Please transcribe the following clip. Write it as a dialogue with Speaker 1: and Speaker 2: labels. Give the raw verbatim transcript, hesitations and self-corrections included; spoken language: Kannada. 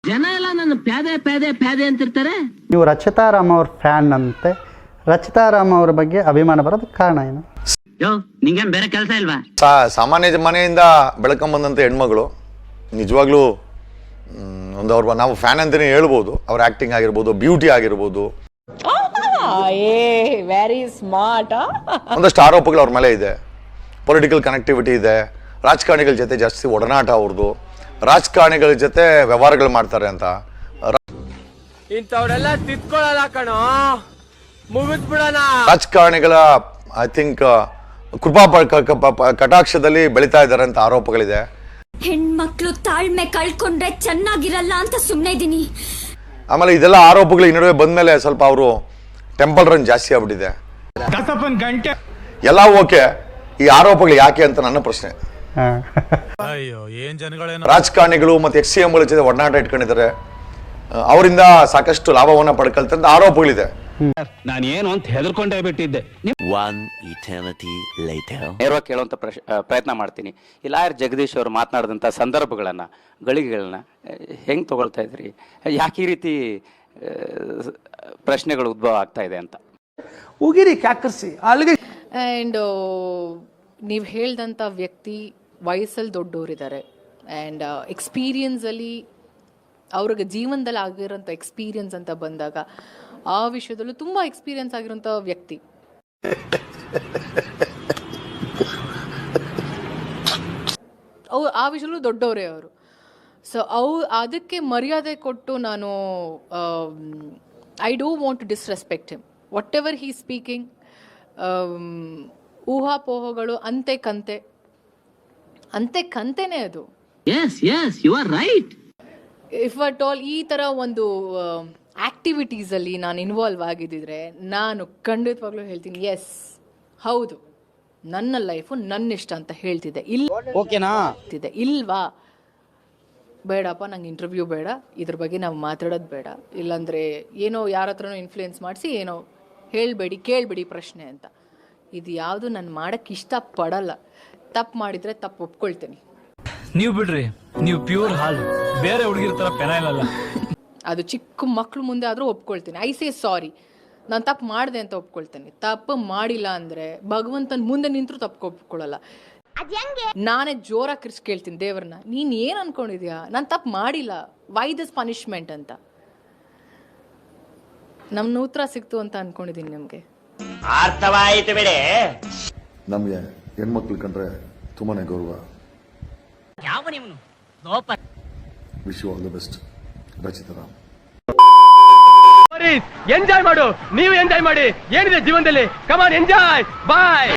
Speaker 1: ಜನ ಎಲ್ಲ ನನ್ನ ಪ್ಯಾದೆ ಪ್ಯಾದೆ ಪ್ಯಾದೆ ಅಂತಿರ್ತಾರೆ.
Speaker 2: ನೀವು ರಚಿತಾ ರಾಮ್ ಅವ್ರ ಫ್ಯಾನ್ ಅಂತೆ. ರಚಿತಾ ರಾಮ್ ಅವ್ರ ಬಗ್ಗೆ ಅಭಿಮಾನ ಬರೋದಕ್ಕೆ ಕಾರಣ ಏನು?
Speaker 1: ಯೋ ನಿಂಗೇನ್ ಬೇರೆ ಕೆಲಸ ಇಲ್ವಾ?
Speaker 3: ಸಾಮಾನ್ಯ ಮನೆಯಿಂದ ಬೆಳಕೊಂಬಂದಂಥ ಹೆಣ್ಮಗಳು ನಿಜವಾಗ್ಲೂ ಒಂದು ಅವ್ರ ನಾವು ಫ್ಯಾನ್ ಅಂತಲೇ ಹೇಳ್ಬೋದು. ಅವ್ರ ಆ್ಯಕ್ಟಿಂಗ್ ಆಗಿರ್ಬೋದು, ಬ್ಯೂಟಿ ಆಗಿರ್ಬೋದು,
Speaker 4: ವೆರಿ ಸ್ಮಾರ್ಟ್.
Speaker 3: ಒಂದಷ್ಟು ಆರೋಪಗಳು ಅವ್ರ ಮೇಲೆ ಇದೆ. ಪೊಲಿಟಿಕಲ್ ಕನೆಕ್ಟಿವಿಟಿ ಇದೆ. ರಾಜಕಾರಣಿಗಳ ಜೊತೆ ಜಾಸ್ತಿ ಒಡನಾಟ ಅವ್ರದ್ದು. ರಾಜಕಾರಣಿಗಳ ಜೊತೆ ವ್ಯವಹಾರಗಳು ಮಾಡ್ತಾರೆ ಅಂತ.
Speaker 5: ಇಂಥವ್ರೆಲ್ಲ ತಿತ್ಕೊಳ್ಳಲ್ಲ ಕಣೋ, ಮುಗಿದ್ಬಿಡೋಣ.
Speaker 3: ರಾಜಕಾರಣಿಗಳ ಐ ಥಿಂಕ್ ಕೃಪಾ ಕಟಾಕ್ಷದಲ್ಲಿ ಬೆಳೀತಾ ಇದ್ದಾರೆ ಅಂತ ಆರೋಪಗಳಿದೆ.
Speaker 6: ಹೆಣ್ಮಕ್ಳು ತಾಳ್ಮೆ ಕಳ್ಕೊಂಡ್ರೆ ಚೆನ್ನಾಗಿರಲ್ಲ ಅಂತ ಸುಮ್ಮನೆ ಇದೀನಿ.
Speaker 3: ಆಮೇಲೆ ಇದೆಲ್ಲ ಆರೋಪಗಳು ಈ ನಡುವೆ ಬಂದ್ಮೇಲೆ ಸ್ವಲ್ಪ ಅವರು ಟೆಂಪಲ್ ರನ್ ಜಾಸ್ತಿ ಆಗ್ಬಿಟ್ಟಿದೆ. ಎಲ್ಲ ಓಕೆ, ಈ ಆರೋಪಗಳು ಯಾಕೆ ಅಂತ ನನ್ನ ಪ್ರಶ್ನೆ. ರಾಜಕಾರಣಿಗಳು ಮತ್ತೆ ಎಕ್ಸ್ ಸಿ ಎಂಗಳ ಜೊತೆ ಒಡನಾಟ ಇಟ್ಕೊಂಡಿದ್ದಾರೆ, ಅವರಿಂದ ಸಾಕಷ್ಟು ಲಾಭವನ್ನ ಪಡ್ಕೊಳ್ತಾರೆ ಅಂತ ಆರೋಪಗಳಿದೆ.
Speaker 7: ನಾನು ಏನು ಅಂತ ಹೆದರ್ಕೊಂಡೇ ಬಿಟ್ಟಿದ್ದೆ.
Speaker 8: ನೇರವಾಗಿ ಕೇಳುವಂತ ಪ್ರಯತ್ನ ಮಾಡ್ತೀನಿ. ಈ ಲಾಯರ್ ಜಗದೀಶ್ ಅವರು ಮಾತನಾಡಿದಂಥ ಸಂದರ್ಭಗಳನ್ನ, ಗಳಿಗೆಗಳನ್ನ ಹೆಂಗ್ ತಗೊಳ್ತಾ ಇದ್ರಿ? ಯಾಕೆ ಈ ರೀತಿ ಪ್ರಶ್ನೆಗಳು ಉದ್ಭವ ಆಗ್ತಾ ಇದೆ ಅಂತ
Speaker 5: ಉಗಿರಿ ಕ್ಯಾಕರ್ಸಿ ಅಲ್ಲಿಗೆ.
Speaker 4: ಆ್ಯಂಡ್ ನೀವು ಹೇಳ್ದಂಥ ವ್ಯಕ್ತಿ ವಯಸ್ಸಲ್ಲಿ ದೊಡ್ಡವರಿದ್ದಾರೆ ಆ್ಯಂಡ್ ಎಕ್ಸ್ಪೀರಿಯನ್ಸಲ್ಲಿ ಅವ್ರಿಗೆ ಜೀವನದಲ್ಲಿ ಆಗಿರೋಂಥ ಎಕ್ಸ್ಪೀರಿಯನ್ಸ್ ಅಂತ ಬಂದಾಗ ಆ ವಿಷಯದಲ್ಲೂ ತುಂಬ ಎಕ್ಸ್ಪೀರಿಯನ್ಸ್ ಆಗಿರೋಂಥ ವ್ಯಕ್ತಿ. ಅವು ಆ ವಿಷಯದಲ್ಲೂ ದೊಡ್ಡವರೇ ಅವರು. ಸೊ ಅವು ಅದಕ್ಕೆ ಮರ್ಯಾದೆ ಕೊಟ್ಟು ನಾನು I don't want to disrespect him. Whatever he speaking, ಊಹಾಪೋಹಗಳು ಅಂತೆ ಕಂತೆ ಅಂತೆ ಕಂತೆನೇ ಅದು.
Speaker 1: Yes yes you are right.
Speaker 4: If at all ಈ ಥರ ಒಂದು ಆ್ಯಕ್ಟಿವಿಟೀಸಲ್ಲಿ ನಾನು ಇನ್ವಾಲ್ವ್ ಆಗಿದ್ದಿದ್ರೆ ನಾನು ಖಂಡಿತವಾಗ್ಲೂ ಹೇಳ್ತೀನಿ, ಎಸ್ ಹೌದು ನನ್ನ ಲೈಫು ನನ್ನ ಇಷ್ಟ ಅಂತ ಹೇಳ್ತಿದ್ದೆ. ಇಲ್ಲ
Speaker 7: ಓಕೆನಾ
Speaker 4: ಹೇಳ್ತಿದ್ದೆ, ಇಲ್ವಾ ಬೇಡಪ್ಪ ನಂಗೆ ಇಂಟರ್ವ್ಯೂ ಬೇಡ, ಇದ್ರ ಬಗ್ಗೆ ನಾವು ಮಾತಾಡೋದು ಬೇಡ, ಇಲ್ಲಾಂದರೆ ಏನೋ ಯಾರ ಹತ್ರನೋ ಇನ್ಫ್ಲೂಯೆನ್ಸ್ ಮಾಡಿಸಿ ಏನೋ ಹೇಳಬೇಡಿ ಕೇಳಬೇಡಿ ಪ್ರಶ್ನೆ ಅಂತ. ಇದು ಯಾವುದು ನಾನು ಮಾಡೋಕ್ಕೆ ಇಷ್ಟಪಡಲ್ಲ. ತಪ್ಪು ಮಾಡಿದರೆ ತಪ್ಪು ಒಪ್ಕೊಳ್ತೀನಿ.
Speaker 9: ನೀವು ಬಿಡ್ರಿ, ನೀವು ಪ್ಯೂರ್ ಹಾಲು, ಬೇರೆ ಹುಡುಗಿರ ಥರ ಪೆನೈಲ್ ಅಲ್ಲ.
Speaker 4: ಅದು ಚಿಕ್ಕ ಮಕ್ಕಳು ಮುಂದೆ ಆದರೂ ಒಪ್ಕೊಳ್ತೀನಿ. ಐ ಸೇ ಸಾರಿ, ನಾನು ತಪ್ಪು ಮಾಡಿದೆ ಅಂತ ಒಪ್ಕೊಳ್ತೀನಿ. ತಪ್ಪು ಮಾಡಿಲ್ಲ ಅಂದರೆ ಭಗವಂತನ ಮುಂದೆ ನಿಂತರೂ ತಪ್ಪು ಒಪ್ಕೊಳ್ಳಲ್ಲ. ನಾನೇ ಜೋರಾಗಿ ಕಿರ್ಚ್ ಕೇಳ್ತೀನಿ ದೇವ್ರನ್ನ, ನೀನು ಏನು ಅನ್ಕೊಂಡಿದ್ಯಾ, ನಾನು ತಪ್ಪು ಮಾಡಿಲ್ಲ, ವೈ ದಿಸ್ ಪನಿಷ್ಮೆಂಟ್ ಅಂತ. ನಮ್ಮ ಉತ್ತರ ಸಿಕ್ತು ಅಂತ ಅನ್ಕೊಂಡಿದ್ದೀನಿ. ನಿಮಗೆ
Speaker 5: ಅರ್ಥವಾಯಿತು ಬಿಡಿ.
Speaker 3: ನಮಗೆ ಹೆಣ್ಮಕ್ಳು ಕಂಡ್ರೆ ತುಂಬಾನೇ ಗೌರವ.
Speaker 1: ಯಾವ ನೀವು
Speaker 3: wish you all the best Rachita Ram.
Speaker 5: Enjoy ಮಾಡು, ನೀವು ಎಂಜಾಯ್ ಮಾಡಿ. ಏನಿದೆ ಜೀವನದಲ್ಲಿ, ಕಮಾನ್ ಎಂಜಾಯ್, ಬಾಯ್.